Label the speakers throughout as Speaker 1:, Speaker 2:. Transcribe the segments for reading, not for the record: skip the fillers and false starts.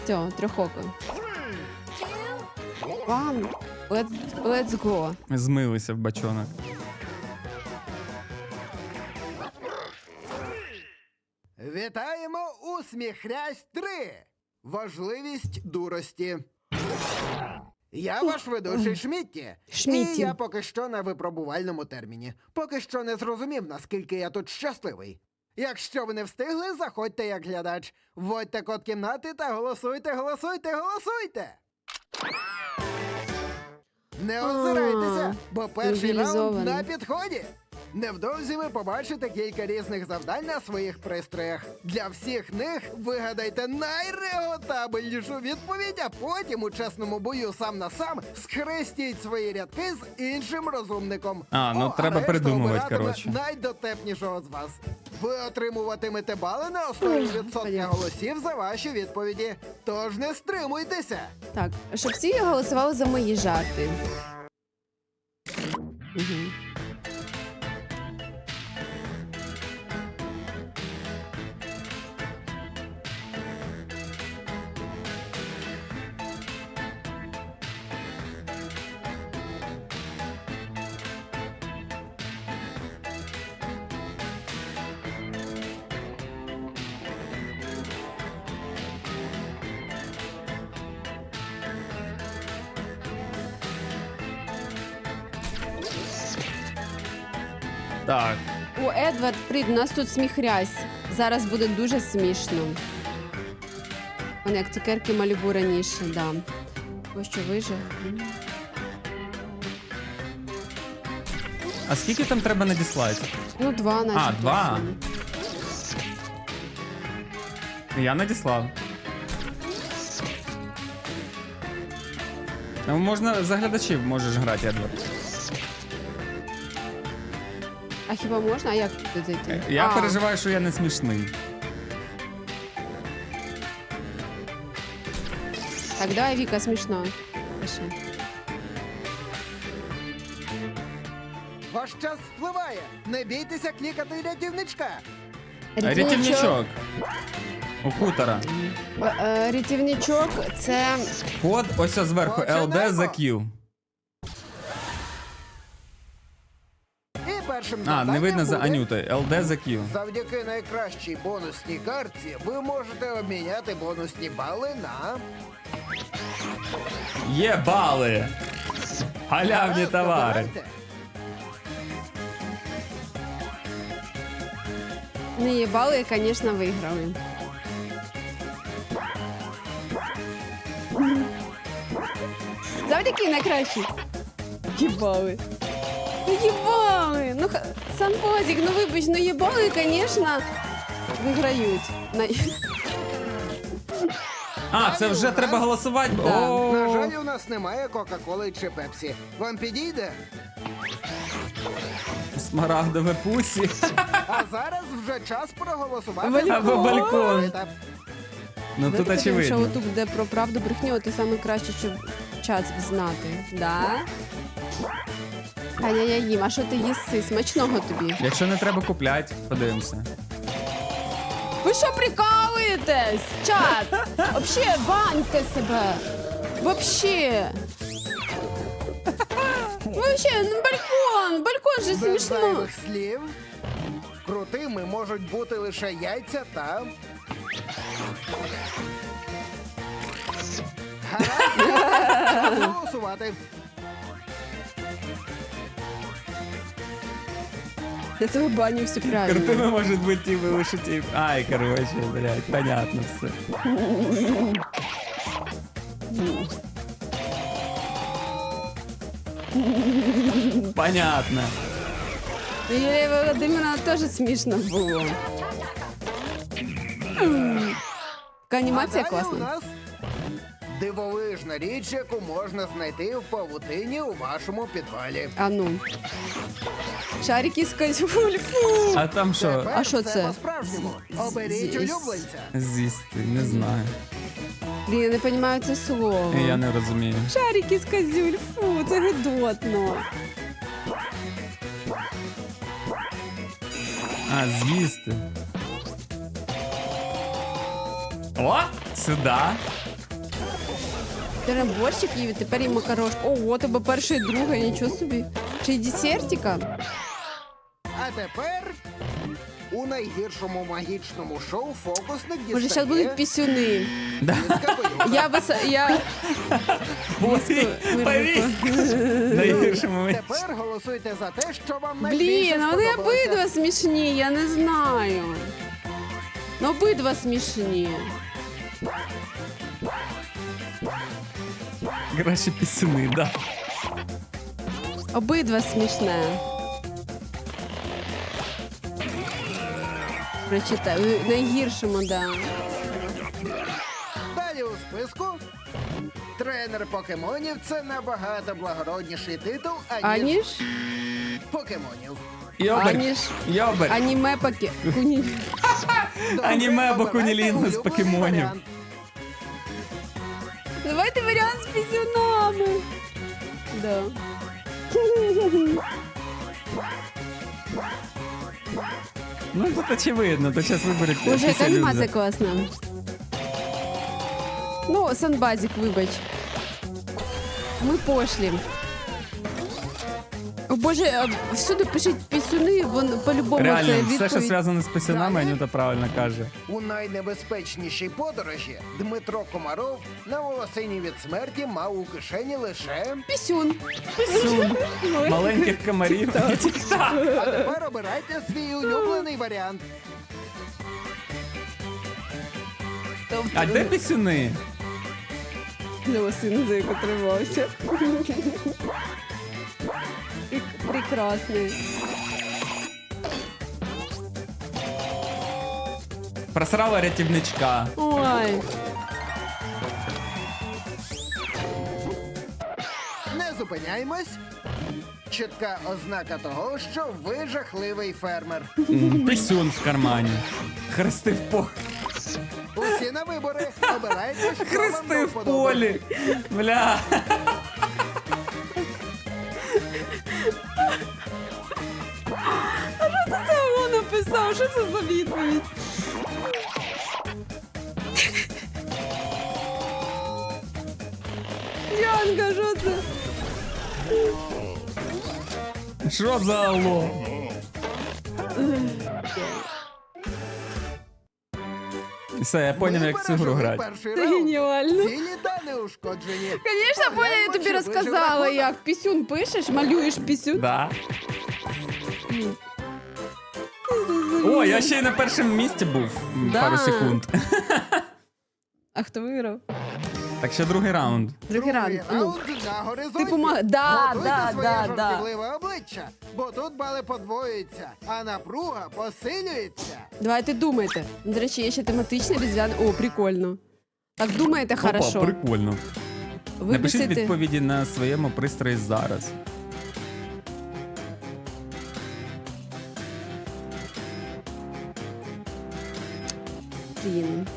Speaker 1: цього трьохоку. One. Let's go.
Speaker 2: Змилися в бачонок.
Speaker 3: Вітаємо у Сміхрясь 3. Важливість дурості. Я ваш ведучий Шмітті.
Speaker 1: Шмітті.
Speaker 3: І я поки що на випробувальному терміні. Поки що не зрозумів, наскільки я тут щасливий. Якщо ви не встигли, заходьте як глядач. Вводьте код кімнати та голосуйте, голосуйте, голосуйте! Не озирайтеся, бо перший раунд
Speaker 1: цивілізований.
Speaker 3: на підході. Невдовзі ви побачите кілька різних завдань на своїх пристроях. Для всіх них вигадайте найреготабельнішу відповідь, а потім у чесному бою сам на сам схрестіть свої рядки з іншим розумником.
Speaker 2: Треба
Speaker 3: решта
Speaker 2: придумувати,
Speaker 3: обиратиме
Speaker 2: коротше.
Speaker 3: найдотепнішого з вас. Ви отримуватимете бали на основі відсотка голосів за ваші відповіді. Тож не стримуйтеся.
Speaker 1: Так, щоб всі голосували за мої жарти. Угу.
Speaker 2: Так.
Speaker 1: О, Едвард, привіт, у нас тут сміхрясь. Зараз буде дуже смішно. Вони як цукерки Малібу раніше, да. Ось що вижив.
Speaker 2: А скільки там треба надіслати?
Speaker 1: Ну, 2 наче.
Speaker 2: 2. Я надіслав. Ну, можна за глядачів можеш грати, Едвард.
Speaker 1: А хіба можна? А як туди зайти?
Speaker 2: Я переживаю, що я не смішний.
Speaker 1: Так, давай, Віка, смішно. Пиши.
Speaker 3: Ваш час спливає. Не бійтеся клікати рятівничка.
Speaker 2: Рятівничок. У хутора.
Speaker 1: Рятівничок – це...
Speaker 2: Код ось зверху. LD за Q.
Speaker 3: І першим
Speaker 2: Не
Speaker 3: завданням
Speaker 2: видно за
Speaker 3: буде:
Speaker 2: Анютою. LD за Q.
Speaker 3: завдяки найкращій бонусній картці ви можете обміняти бонусні бали на...
Speaker 2: Є бали! Халявні
Speaker 3: Гаразд,
Speaker 2: товари.
Speaker 3: обирайте.
Speaker 1: Не їбали, звісно, виграли. Завдяки найкращі. Їбали. Ну їбали. Ну, Санпозик, ну вибач, ну їбали, звісно, виграють.
Speaker 2: Це вже треба голосувати?
Speaker 1: Да.
Speaker 2: О!
Speaker 3: На жаль, у нас немає Кока-Коли чи Пепсі. Вам підійде?
Speaker 2: Смарагдове пусі.
Speaker 3: А зараз вже час проголосувати.
Speaker 1: Балькон.
Speaker 3: за
Speaker 2: Або балькон.
Speaker 3: етап.
Speaker 2: Ну тут
Speaker 1: Що
Speaker 2: очевидно.
Speaker 1: тут буде про правду брехню, ти саме краще, щоб час знати. Да? Ай-яй-яй, їм, а що ти їси? Смачного тобі.
Speaker 2: Якщо не треба купляти, подивимося.
Speaker 1: Ви що прикалуєтесь? Чат! Вообще, баньте себе! Вообще! Вообще, ну балкон же
Speaker 3: Без
Speaker 1: смішно.
Speaker 3: зайвих слів. Крутими можуть бути лише яйця та... Гаразд, час голосувати.
Speaker 1: Я тебе баню все правильно.
Speaker 2: Крутими можуть бути ті лише ті. Ай, короче, блядь, понятно все. Понятно.
Speaker 1: Юлія Володимирівна теж смішно було. Така анімація
Speaker 3: А далі у
Speaker 1: класна.
Speaker 3: нас дивовижна річ, яку можна знайти в павутині у вашому підвалі.
Speaker 1: А ну. Шарики з кольфу.
Speaker 2: А там що?
Speaker 3: Тепер
Speaker 1: А що
Speaker 3: все
Speaker 1: це?
Speaker 3: по-справжньому. Оберіть улюбленця.
Speaker 2: З'їсти, не знаю.
Speaker 1: Блін, я не розумію це слово.
Speaker 2: Я не розумію.
Speaker 1: Шарики з козюль, фу, це гидотно.
Speaker 2: З'їсти. О, сюди.
Speaker 1: Борщик їв, і тепер і макарошка. Ого, тебе перше і друге, нічого собі. Чи й десертика?
Speaker 3: А тепер у найгіршому магічному шоу фокусник
Speaker 1: Може,
Speaker 3: дістає
Speaker 1: зараз будуть пісюни.
Speaker 2: Да.
Speaker 3: із капелюха.
Speaker 1: Я
Speaker 2: Повість! Найгірший момент.
Speaker 3: Тепер голосуйте за те, що вам
Speaker 1: Блін,
Speaker 3: найбільше
Speaker 1: вони
Speaker 3: сподобалося.
Speaker 1: обидва смішні, я не знаю. Ну, обидва смішні.
Speaker 2: Краще пісюни, да.
Speaker 1: Обидва смішне. Прочитаю. Найгіршому, да.
Speaker 3: Далі у списку. Тренер покемонів – це набагато благородніший титул, аніж
Speaker 1: Аніж?
Speaker 3: покемонів.
Speaker 2: Йобер.
Speaker 1: Аніж?
Speaker 2: Йобер.
Speaker 1: Аніме паке.
Speaker 3: Добре,
Speaker 2: Аніме або
Speaker 3: обирайте
Speaker 2: кунілінгу з
Speaker 3: улюблений
Speaker 2: покемонів.
Speaker 3: варіант.
Speaker 1: Давайте варіант з пісюнами. Да.
Speaker 2: Ну тут очевидно, то зараз виберете.
Speaker 1: Боже, яка
Speaker 2: пісюлю
Speaker 1: анімація
Speaker 2: за-
Speaker 1: класна. Ну, Санбазік, вибач. Ми пошлі. О, Боже, всюди пишуть пісюни, вон по-любому це
Speaker 2: Реально, все, що
Speaker 1: відповідь.
Speaker 2: зв'язано з пісюнами,
Speaker 3: Далі.
Speaker 2: Анюта правильно каже.
Speaker 3: У найнебезпечнішій подорожі Дмитро Комаров на волосині від смерті мав у кишені лише...
Speaker 1: Пісюн.
Speaker 2: Маленьких комарів. Тік-так.
Speaker 3: А тепер обирайте свій улюблений варіант.
Speaker 2: А де пісюни?
Speaker 1: Волосин, за яку тримався. Прекрасний.
Speaker 2: Просрала рятівничка.
Speaker 1: Ой.
Speaker 3: Не зупиняємось. Чітка ознака того, що ви жахливий фермер.
Speaker 2: Пісюн в кармані. Хрести в полі.
Speaker 3: Усі на вибори. Обирайте, що вам
Speaker 2: Хрести
Speaker 3: до
Speaker 2: в
Speaker 3: вподоби.
Speaker 2: полі. Бля.
Speaker 1: Це він написав, що це за відповідь? Янка, що це?
Speaker 2: Що за алло? Все, я поняв, як в цю гру
Speaker 3: пережили
Speaker 2: грати.
Speaker 3: перший
Speaker 1: Це
Speaker 3: раунд.
Speaker 1: геніально.
Speaker 3: Цілі та неушкоджені.
Speaker 1: Звісно, Поля, я тобі
Speaker 3: Чи
Speaker 1: розказала,
Speaker 3: вижив
Speaker 1: як пісюн пишеш, малюєш пісюн.
Speaker 2: Да. О, я ще й на першому місці був
Speaker 1: Да.
Speaker 2: пару секунд.
Speaker 1: А хто виграв?
Speaker 2: Так ще другий раунд.
Speaker 1: Другий раунд. А ну.
Speaker 3: раунд на горизонті.
Speaker 1: Ти помагай. Да,
Speaker 3: Готуйте
Speaker 1: да,
Speaker 3: своє
Speaker 1: да, да.
Speaker 3: жартівливе обличчя, бо тут бали подвоюються, а напруга посилюється.
Speaker 1: Давайте думайте. До речі, є ще тематичний різдвяний. О, прикольно. Так думаєте, хорошо.
Speaker 2: Опа, прикольно. Напишіть
Speaker 1: Виписати.
Speaker 2: відповіді на своєму пристрої зараз.
Speaker 1: Блін.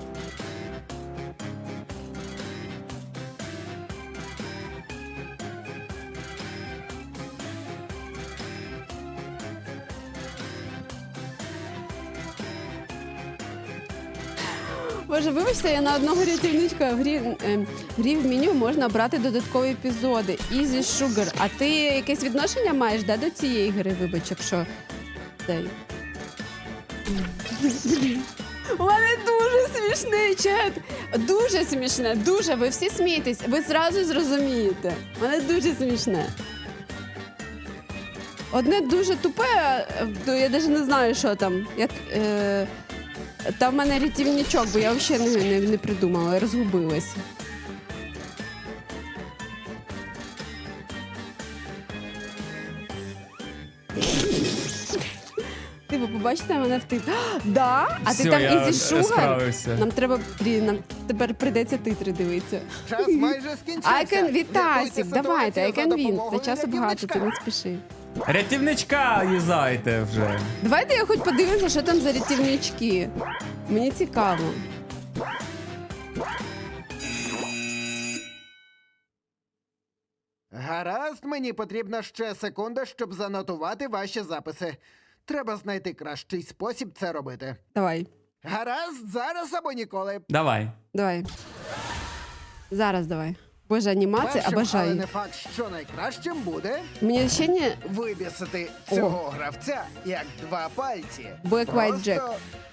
Speaker 1: Боже, вибачте, я на одного рятівничка в грі в меню можна обрати додаткові епізоди. Easy Sugar. А ти якесь відношення маєш до цієї гри, вибач, якщо цей. У мене дуже смішний чат. Дуже смішне, дуже. Ви всі смієтесь, ви зразу зрозумієте. У мене дуже смішне. Одне дуже тупе, я навіть не знаю, що там. Там в мене рятівничок, бо я взагалі не придумала, я розгубилась. Типу, побачите мене в титрі. Да? А
Speaker 2: Все,
Speaker 1: ти там
Speaker 2: я
Speaker 1: Easy Sugar?
Speaker 2: справився.
Speaker 1: Нам треба, нам тепер прийдеться титри дивитися.
Speaker 3: Час майже скінчився.
Speaker 1: I can Вітасік,
Speaker 3: Рятуйте
Speaker 1: давайте, I
Speaker 3: ситуацію
Speaker 1: can
Speaker 3: за
Speaker 1: win.
Speaker 3: допомогою
Speaker 1: Це часу багато, ти
Speaker 3: рятівничка.
Speaker 1: не спіши.
Speaker 2: Рятівничка юзайте вже.
Speaker 1: Давайте я хоч подивлюся, що там за рятівнички. Мені цікаво.
Speaker 3: Гаразд, мені потрібна ще секунда, щоб занотувати ваші записи. Треба знайти кращий спосіб це робити.
Speaker 1: Давай,
Speaker 3: Гаразд, зараз або ніколи.
Speaker 2: Давай.
Speaker 1: давай. Зараз давай. Боже, анімація,
Speaker 3: Першим, але
Speaker 1: обожаю.
Speaker 3: не факт, що найкращим буде
Speaker 1: Мені ще не
Speaker 3: вибісити цього гравця як два пальці.
Speaker 1: Black White
Speaker 3: Просто
Speaker 1: Jack.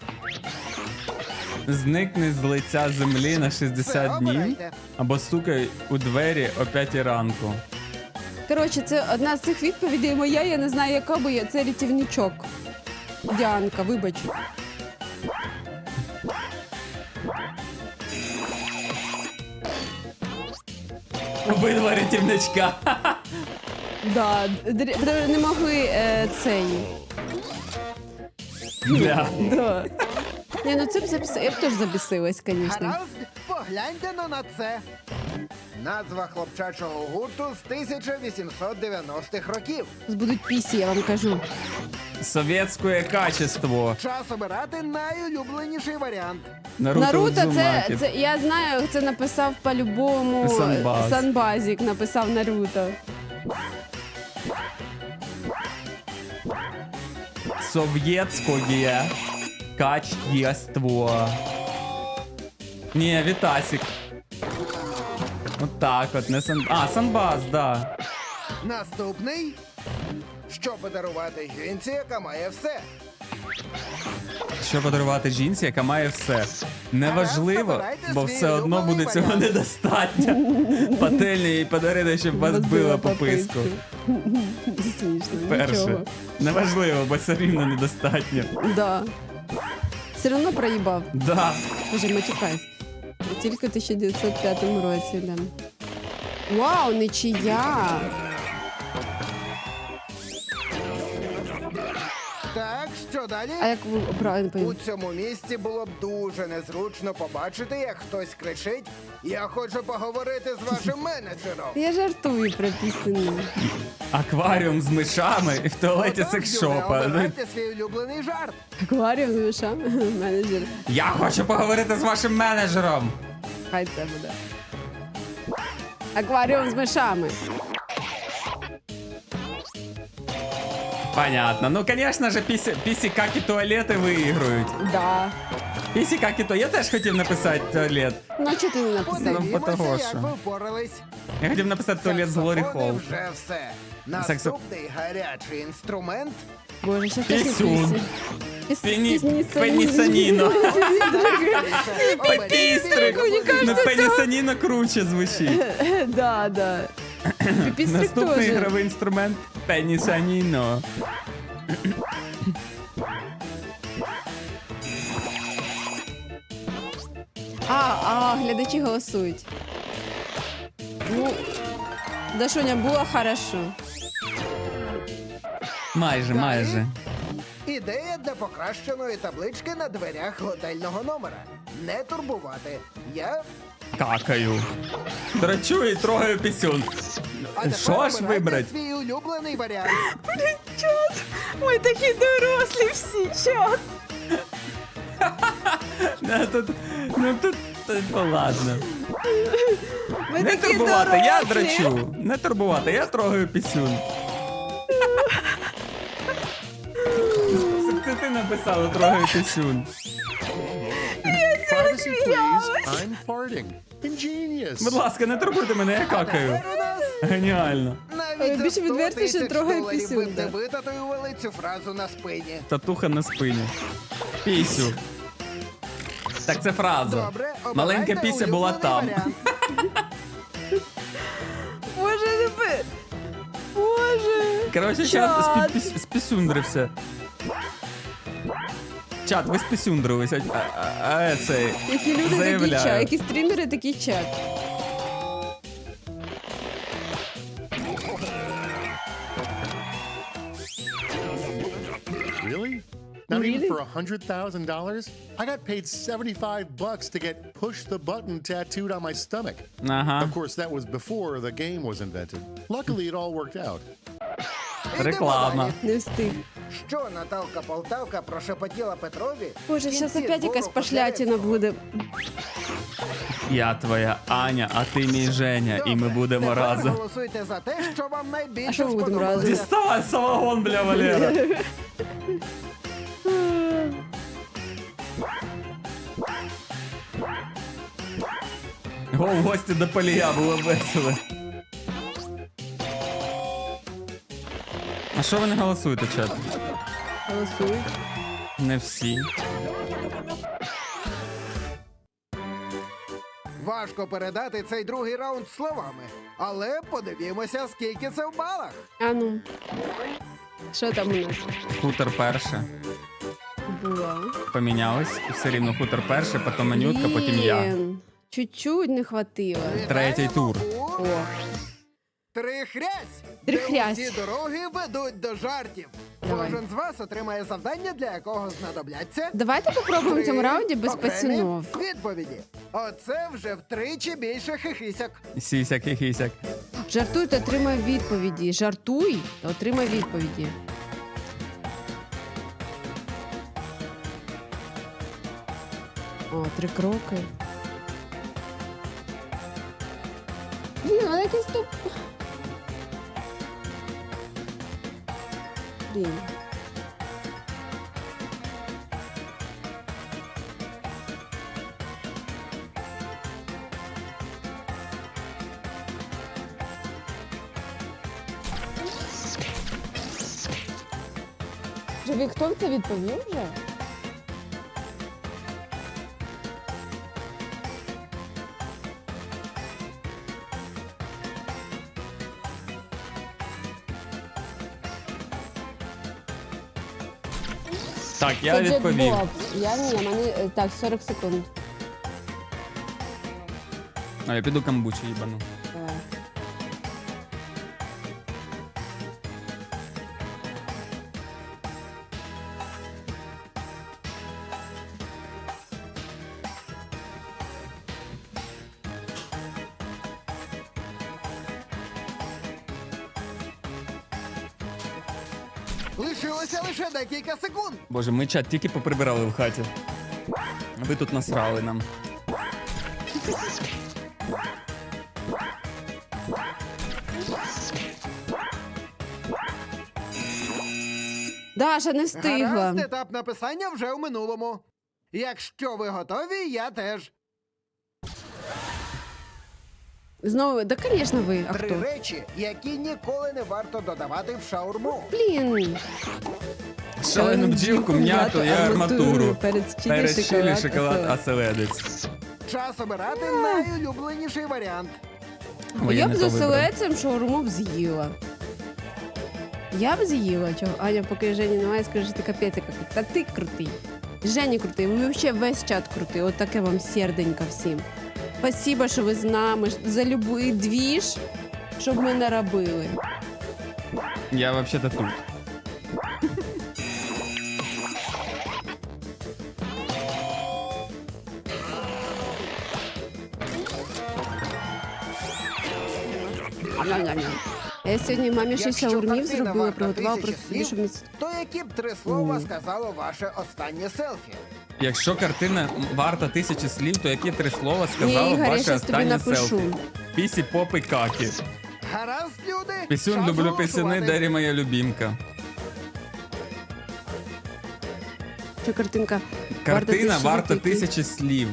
Speaker 2: Зникни з лиця землі на 60
Speaker 3: все,
Speaker 2: днів
Speaker 3: обирайте.
Speaker 2: або стукай у двері о 5 ранку.
Speaker 1: Коротше, це одна з цих відповідей моя, я не знаю, яка, бо це рятівничок. Діанка, вибач.
Speaker 2: Обидва рятівничка.
Speaker 1: Да, не могли цей.
Speaker 2: Бля.
Speaker 1: Да. Ні, ну це б записала. Я б теж забісилась, звісно.
Speaker 3: Гаразд, погляньте на це. Назва хлопчачого гурту з 1890-х років.
Speaker 1: Будуть пісі, я вам кажу.
Speaker 2: Совєтське качество.
Speaker 3: Час обирати найулюбленіший варіант.
Speaker 1: Наруто,
Speaker 2: Удзумакі.
Speaker 1: це я знаю, це написав по-любому
Speaker 2: Санбаз.
Speaker 1: Санбазік, написав Наруто.
Speaker 2: Совєтське качество. Ні, Вітасік. От так от, не сан... А, Санбаз, да.
Speaker 3: Наступний. Що подарувати жінці, яка має все?
Speaker 2: Що подарувати жінці, яка має все? Неважливо,
Speaker 3: Обирайте
Speaker 2: бо
Speaker 3: свій
Speaker 2: все одно буде
Speaker 3: улюблений
Speaker 2: цього
Speaker 3: варіант.
Speaker 2: недостатньо. Пательню їй подарити, щоб вас била по писку.
Speaker 1: Смішно,
Speaker 2: Перше.
Speaker 1: нічого.
Speaker 2: Неважливо, бо все рівно недостатньо.
Speaker 1: Да. Все одно проїбав.
Speaker 2: Да.
Speaker 1: Боже, матюкайся. Тільки в 1905 році, да. Вау, нічия!
Speaker 3: Так, що далі?
Speaker 1: А як ви правильно
Speaker 3: У
Speaker 1: поїм?
Speaker 3: цьому місці було б дуже незручно побачити, як хтось кричить: "Я хочу поговорити з вашим менеджером".
Speaker 1: Я жартую про пісеню.
Speaker 2: Акваріум з мишами і в туалеті
Speaker 3: Отож, Юля,
Speaker 2: секс-шопа.
Speaker 3: обирайте свій улюблений жарт.
Speaker 1: Акваріум з мишами, менеджер.
Speaker 2: Я хочу поговорити з вашим менеджером.
Speaker 1: Хай це буде. Акваріум з мишами.
Speaker 2: Понятно. Ну, конечно же, пісі какі туалети виіграють.
Speaker 1: Да.
Speaker 2: Пісі какі туалети. Я теж хотів написати туалет.
Speaker 1: Ну, а чого ти не написав?
Speaker 2: Подивіться. того,
Speaker 3: Подивімося,
Speaker 2: що.
Speaker 3: як ви впорались.
Speaker 2: Я хотів написати туалет з Глорі
Speaker 3: Саксофони
Speaker 2: Холл.
Speaker 3: вже все. Наступний гарячий інструмент.
Speaker 1: Боже, щас теж не
Speaker 2: Пісюн.
Speaker 1: пісні.
Speaker 2: Пенісаніно.
Speaker 3: Оберіть
Speaker 2: Пепістрик.
Speaker 1: Мені кажеться,
Speaker 2: Ну, пенісаніно круче звучить.
Speaker 1: Да, да. Піпістрик
Speaker 2: Наступний
Speaker 1: теж.
Speaker 2: ігровий інструмент пенісаніно.
Speaker 1: Глядачі голосують. Ну, Дашуня, було хорошо.
Speaker 2: Майже.
Speaker 3: Ідея для покращеної таблички на дверях готельного номера. Не турбувати. Я...
Speaker 2: Какаю. Драчу і трогаю пісюн.
Speaker 3: А тепер
Speaker 2: Що ж
Speaker 3: обирайте
Speaker 2: вибрати?
Speaker 3: свій улюблений варіант.
Speaker 1: Чот, ми такі дорослі всі, чот.
Speaker 2: Ну ладно.
Speaker 1: Ми
Speaker 2: Не
Speaker 1: такі
Speaker 2: турбувати, я
Speaker 1: дорослі.
Speaker 2: драчу. Не турбувати, я трогаю пісюн. Це ти написала трогаю пісюн.
Speaker 4: Privacy, please. I'm farting. Ingenious.
Speaker 2: Будь ласка, не турбуйте мене, я какаю.
Speaker 3: Тепер у нас
Speaker 2: Геніально.
Speaker 3: навіть
Speaker 1: Більше
Speaker 3: за 100
Speaker 1: відверто, що
Speaker 3: тисяч
Speaker 1: трогає
Speaker 3: доларів
Speaker 1: пісюн,
Speaker 3: ви б не
Speaker 1: так.
Speaker 3: витатуювали цю фразу на спині.
Speaker 2: Татуха на спині. Пісю. Так це фраза.
Speaker 3: Добре, обирайте
Speaker 2: Маленька піся була
Speaker 3: улюблений
Speaker 2: там.
Speaker 3: варіант.
Speaker 1: Боже, не пи... Боже.
Speaker 2: Коротше, чат спісюндрився. Чат, ви спісюндрились, а цей.
Speaker 1: Які люди такі
Speaker 2: заявляю.
Speaker 1: чат, які стрімери такий чат.
Speaker 4: Really? Not
Speaker 1: Really?
Speaker 4: even for $100,000? I got paid $75 to get push the button tattooed on my stomach.
Speaker 2: Ага.
Speaker 4: Of course, that was before the game was invented. Luckily, it all worked out.
Speaker 3: Ідемо
Speaker 2: Реклама.
Speaker 3: далі.
Speaker 1: Не встиг.
Speaker 3: Що Наталка Полтавка прошепотіла Петрові?
Speaker 1: Боже,
Speaker 3: в
Speaker 1: зараз
Speaker 3: кінці
Speaker 1: опять якась
Speaker 3: двору
Speaker 1: пошлятина
Speaker 3: Котляревського?
Speaker 1: буде.
Speaker 2: Я твоя Аня, а ти мій Женя, і ми
Speaker 3: Добре,
Speaker 2: будемо
Speaker 3: тепер
Speaker 2: разом.
Speaker 3: голосуйте за те, що вам найбільше
Speaker 1: А що ми будемо разом?
Speaker 3: сподобалося.
Speaker 2: Діставай самогон, бля, Валера. Го в гості до Полія, було весело. А що ви не голосуєте, чат?
Speaker 1: Голосують.
Speaker 2: Не всі.
Speaker 3: Важко передати цей другий раунд словами, але подивімося, скільки це в балах.
Speaker 1: А ну. Що там у нас
Speaker 2: Хутор перше.
Speaker 1: було?
Speaker 2: Помінялись. Все рівно хутор перше, потім Анютка, потім я.
Speaker 1: Блін, чуть-чуть не хватило.
Speaker 2: Третій тур.
Speaker 3: Вітаємо у
Speaker 1: О,
Speaker 3: Трихрязь,
Speaker 1: Трихрязь.
Speaker 3: де усі дороги ведуть до жартів.
Speaker 1: Давай.
Speaker 3: Кожен з вас отримає завдання, для якого знадобляться
Speaker 1: давайте попробуємо в цьому
Speaker 3: три
Speaker 1: раунді без
Speaker 3: окремі
Speaker 1: пацанов.
Speaker 3: відповіді. Оце вже втричі більше хихисяк.
Speaker 2: Сісяк і хісяк.
Speaker 1: Жартуй та отримай відповіді. Жартуй та отримай відповіді. О, 3 кроки. Блін, вона якась туп. Блін. Живі, хто це відповів вже?
Speaker 2: Так, я
Speaker 1: Це
Speaker 2: відповів.
Speaker 1: Джек Боб. Я ні, мене так, 40 секунд.
Speaker 2: А я піду камбучі їбану.
Speaker 1: Давай.
Speaker 3: Лишилося лише декілька секунд.
Speaker 2: Боже, ми чат тільки поприбирали в хаті. А ви тут насрали нам.
Speaker 1: Даша не встигла.
Speaker 3: Гаразд, етап написання вже в минулому. Якщо ви готові, я теж.
Speaker 1: Знову, да, звісно, ви. А
Speaker 3: 3
Speaker 1: хто?
Speaker 3: речі, які ніколи не варто додавати в шаурму.
Speaker 1: Блін.
Speaker 2: Шалену бджілку, м'яту і арматуру.
Speaker 1: Перець
Speaker 2: Перець чилі, шоколад,
Speaker 1: а
Speaker 2: оселедець.
Speaker 3: Час обирати найулюбленіший варіант.
Speaker 2: Ой,
Speaker 1: Я
Speaker 2: не
Speaker 1: б
Speaker 2: то
Speaker 1: з
Speaker 2: вибрав.
Speaker 1: оселедцем шаурму б з'їла. Я б з'їла. Чого? Аня, поки Жені немає, скажи, що ти капець який. Та ти крутий. Жені крутий, ви взагалі весь чат крутий. От таке вам серденько всім. Спасибо, що ви з нами, за любий двіж, щоб ми не робили.
Speaker 2: Я взагалі-то тут.
Speaker 1: Ням-ням-ням. Я сьогодні мамі 6
Speaker 3: Якщо
Speaker 1: шаурмів
Speaker 3: картина
Speaker 1: зробила,
Speaker 3: варта
Speaker 1: приготувала
Speaker 3: 1000
Speaker 1: просто собі, щоб не...
Speaker 3: То які б 3 слова сказало ваше останнє селфі?
Speaker 2: Якщо картина варта 1000 слів, то які 3 слова сказало
Speaker 1: Ні, Ігор, я
Speaker 2: ваше
Speaker 1: щас тобі
Speaker 2: останнє
Speaker 1: напишу.
Speaker 2: селфі? Пісі, попи, какі.
Speaker 3: Гаразд, люди?
Speaker 2: Пісюн,
Speaker 3: час
Speaker 2: люблю
Speaker 3: голосувати.
Speaker 2: пісюни, Дері моя любімка.
Speaker 1: Що картинка?
Speaker 2: Картина варта
Speaker 1: який?
Speaker 2: 1000 слів.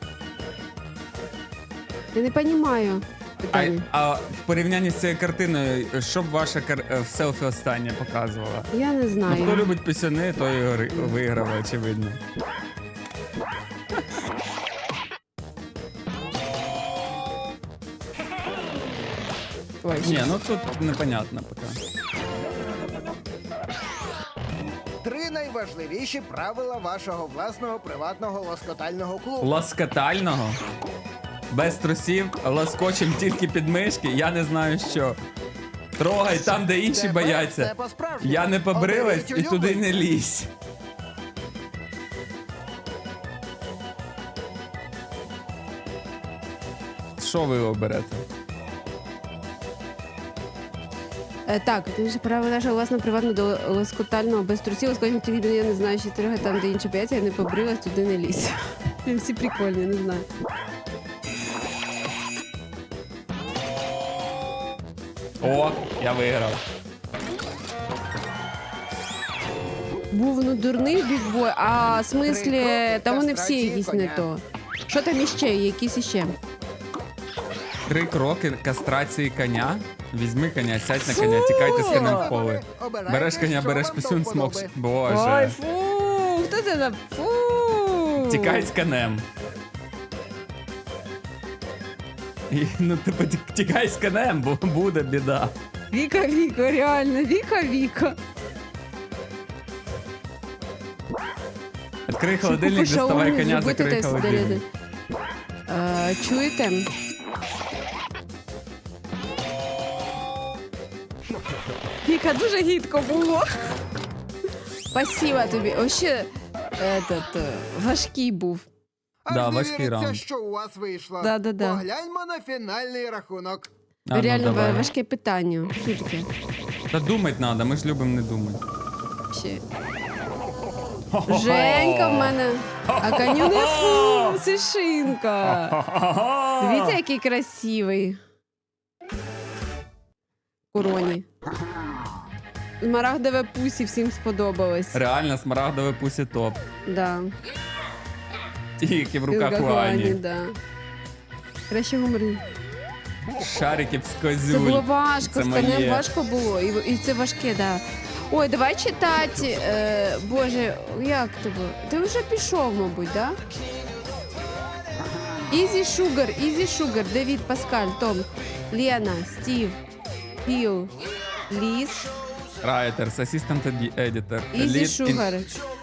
Speaker 1: Я не розумію.
Speaker 2: А в порівнянні з цією картиною, що б ваша в селфі останнє показувала?
Speaker 1: Я не
Speaker 2: Ну,
Speaker 1: знаю.
Speaker 2: хто любить пісюни, той і виграв, очевидно.
Speaker 1: Ой,
Speaker 2: Ні, ну тут непонятно поки.
Speaker 3: 3 найважливіші правила вашого власного приватного лоскотального клубу.
Speaker 2: Ласкатального? Без трусів, ласкочем тільки під мишки, я не знаю що. Трогай там, де інші
Speaker 3: Тепер
Speaker 2: бояться.
Speaker 3: все по-справжньому.
Speaker 2: Я не побрилась
Speaker 3: Оберіть
Speaker 2: і туди не
Speaker 3: улюбленця.
Speaker 2: лізь. Що ви оберете?
Speaker 1: Так, ти ж право нашого власного приватного до лоскотального без трусів, лоскотального тільки я не знаю, що трогай там, де інші бояться, я не побрилась, туди не лізь. Всі прикольні, не знаю.
Speaker 2: О, я виграв.
Speaker 1: Був ну дурний бігбой, а в смислі,
Speaker 3: Три кроки
Speaker 1: там вони всі
Speaker 3: кастрації
Speaker 1: якісь
Speaker 3: коня.
Speaker 1: не то. Що там іще, якісь іще?
Speaker 2: 3 кроки кастрації коня. Візьми коня, сядь на коня, тікайте з конем в поле.
Speaker 3: Обирайте,
Speaker 2: Береш коня,
Speaker 3: що
Speaker 2: береш
Speaker 3: вам
Speaker 2: пісюн,
Speaker 3: до
Speaker 2: смокс.
Speaker 3: вподоби.
Speaker 1: Ой,
Speaker 2: Боже.
Speaker 1: фу! Хто це за фу?
Speaker 2: Тікай з конем. Ну, типу, тікай з конем, бо буде біда.
Speaker 1: Віка, реально, Віка.
Speaker 2: Відкрий холодильник, доставай коня, закрий холодильник.
Speaker 1: Чуєте? Віка, дуже гідко було. Спасибо тобі. Вообще, важкий був.
Speaker 3: Аж
Speaker 2: Да,
Speaker 3: не
Speaker 2: важкий
Speaker 3: віриться,
Speaker 2: раунд.
Speaker 3: що у вас вийшло.
Speaker 1: Да-да-да.
Speaker 3: Погляньмо на фінальний рахунок.
Speaker 2: А, ну,
Speaker 1: Реально
Speaker 2: давай.
Speaker 1: важке питання. Що таке?
Speaker 2: Та думать треба, ми ж любимо не думати.
Speaker 1: Ще. Женька в мене. А коню не фу, сишинка. Дивіться, який красивий. Короні. Смарагдове пусі всім сподобалось.
Speaker 2: Реально, смарагдове пусі топ.
Speaker 1: Да.
Speaker 2: Тільки в руках у
Speaker 1: Ані,
Speaker 2: Ані.
Speaker 1: да. Краще гуморі.
Speaker 2: Шариків з
Speaker 1: Це було
Speaker 2: козюль.
Speaker 1: важко,
Speaker 2: Це
Speaker 1: з конем
Speaker 2: моє.
Speaker 1: важко було. І це важке, да. Ой, давай читати. Боже, як тебе? Ти вже пішов, мабуть, да? Easy Sugar, Давід, Паскаль, Том, Лена, Стів, Піл, Ліс,
Speaker 2: Writers, Assistant Editor.
Speaker 1: Easy
Speaker 2: Lead
Speaker 1: Sugar.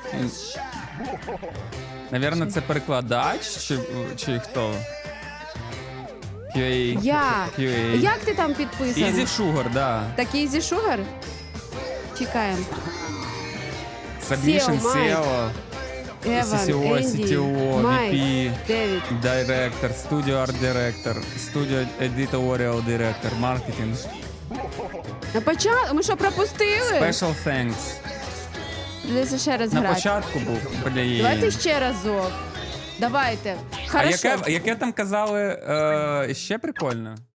Speaker 2: Навірно, це перекладач чи хто? QA.
Speaker 1: Я.
Speaker 2: QA.
Speaker 1: Як ти там підписаний?
Speaker 2: Easy Sugar, да.
Speaker 1: Так Easy Sugar? Чекаємо.
Speaker 2: Submission,
Speaker 1: SEO, Mike.
Speaker 2: SEO,
Speaker 1: Еван,
Speaker 2: CCO,
Speaker 1: Енді,
Speaker 2: CTO,
Speaker 1: Майк,
Speaker 2: VP,
Speaker 1: Девід.
Speaker 2: Director, Studio Art Director, Studio Editorial Director, Marketing,
Speaker 1: На початку? Ми що, пропустили?
Speaker 2: Special Thanks.
Speaker 1: Дивіться ще раз
Speaker 2: На
Speaker 1: грати.
Speaker 2: початку був, блін.
Speaker 1: Давайте ще разок. Давайте.
Speaker 2: А
Speaker 1: Хорошо.
Speaker 2: яке там казали ще прикольно?